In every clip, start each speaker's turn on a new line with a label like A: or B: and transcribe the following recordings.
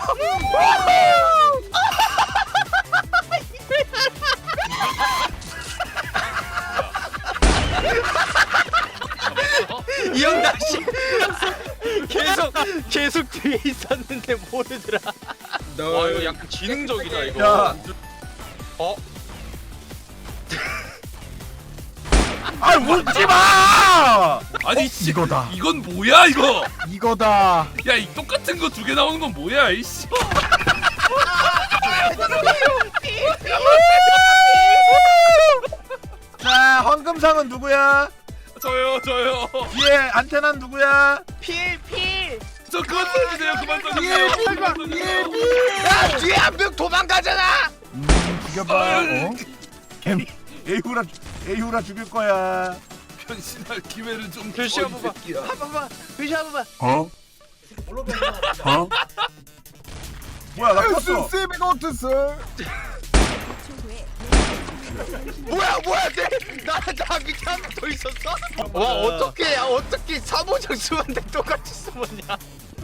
A: 이 형 다시 계속 뒤에 있었는데 모르더라. 와 이거 약간 지능적이다 이거.
B: 야.
A: 어?
B: 아 웃지 마!
C: 아니 씨
D: 이거다.
C: 이건 뭐야 이거?
D: 이거다.
C: 야 이 똑같은 거 두 개 나오는 건 뭐야 이씨?
B: 자, 황금상은 누구야?
C: 저요.
B: 뒤에 안테나는 누구야?
A: 필.
C: 저 그만 써주세요. 그만 써주세요. 그만 써주세요.
A: 야 뒤에 한 명 도망가잖아.
D: 죽여봐. 어?
B: 에이후라 죽일 거야.
C: 변신할 기회를 좀
A: 표시
C: 줘,
A: 한
C: 이
A: 번만.
C: 새끼야.
A: 한 번만. 표시 한 번만.
D: 어? 어?
B: 뭐야, 나 컸어.
D: 세베고트스.
A: 뭐야 나 밑에 한 명 더 있었어? 와 어떻게 사모장 수한테 똑같이 숨었냐?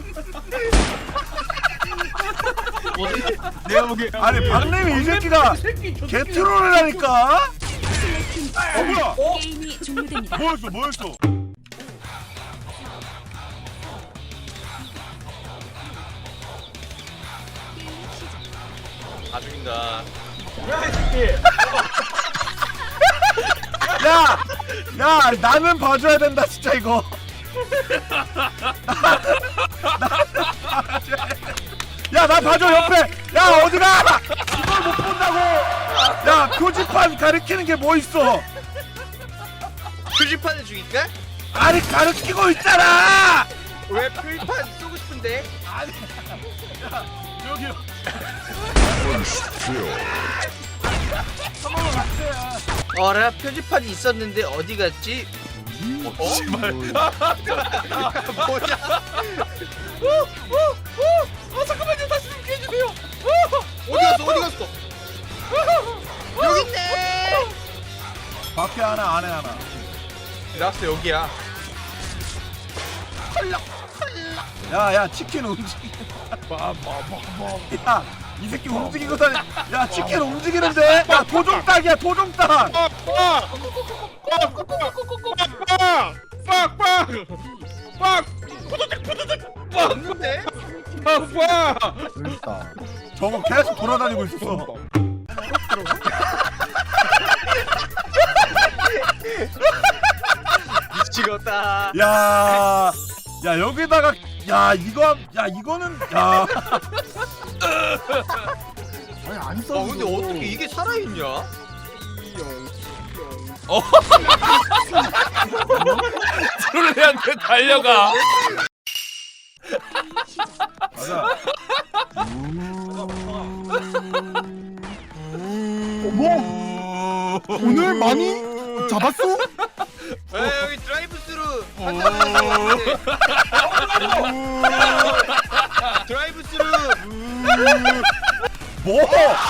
D: 내가 보기에
B: 아니, 박래미 이 새끼가 개트롤을 하니까? 뭐야?
E: 게임이 종료됩니다.
B: 뭐였어?
A: 다 죽인다.
B: 야, 나는 봐줘야 된다, 진짜 이거. 야, 나 봐줘 옆에. 야, 어디가? 이걸 못 본다고. 야, 표지판 가리키는 게 뭐 있어?
A: 표지판을 죽일까?
B: 아니, 가리키고 있잖아.
A: 왜 표지판 쏘고 싶은데?
B: 여기.
A: 어라 표지판이 있었는데 어디 갔지?
C: 씨발.
A: 뭐냐?
C: 잠깐만요. 다시 좀 해주세요.
A: 어디 갔어? 여기 있네.
B: 밖에 하나, 안에 하나.
A: 라스트 여기야.
B: 야, 치킨 움직이. 야, 이 새끼 움직이고 다니. 야, 치킨 움직이는데. 야, 도종닭이야, 도종닭.
A: 없는데?
D: 그러니까.
B: 저거 계속 돌아다니고 있었어.
A: 미치겠다.
B: 야, 여기다가 이거는
D: 아니 안 써.
A: 근데 어떻게 이게 살아있냐?
C: 트롤레한테 달려가.
B: 맞아.
D: 뭐? 오늘 많이 잡았어?
A: 에 여기 드라이브스루 한잔 드라이브스루
B: 뭐?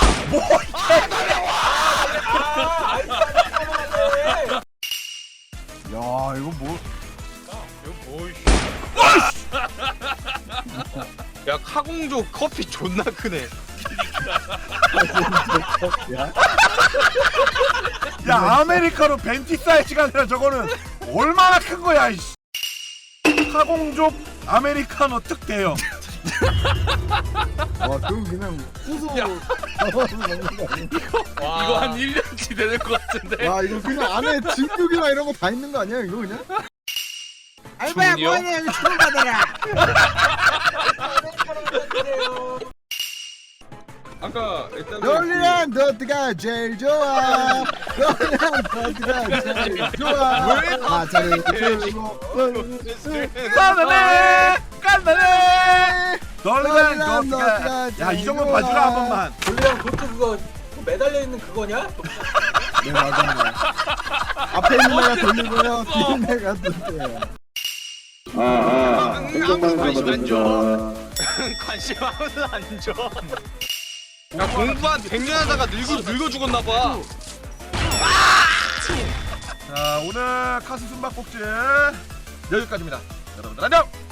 D: 야 이거 뭐?
A: 야 카공조 커피 존나 크네.
B: 야, 아메리카노 벤티 사이즈가 아니라 저거는 얼마나 큰 거야, 이씨. 카공족 아메리카노 특대요.
D: 와 그럼 그냥 후소.
C: 야.
D: 먹는 거 아니야?
C: 이거 한 1년치 되는 것 같은데.
D: 와 이거 그냥 안에 진육이나 이런 거 다 있는 거 아니야 이거 그냥? 알바야
C: 주문이요?
D: 뭐하냐 여기 주문 받아라.
F: 아까 일단
D: 롤리랑 너트가 제일 좋아. 롤리랑 너트가 제일 좋아.
A: 왜
D: 아 저를 들고
B: 깐다네. 널랑 너가. 야, 이 정도 봐주라 한 번만.
F: 원래 그것도 그거 매달려 있는 그거냐?
D: 네 맞아요. 앞에 있는 애가 돌리고요. 뒤에 있는 애가 돌려요.
A: 아무도 관심 안 줘. 관심 아무도 안 줘. 야 공부 한 100년 하다가 늙어 죽었나 봐.
B: 자, 오늘 카스 숨바꼭질 여기까지입니다. 여러분들 안녕.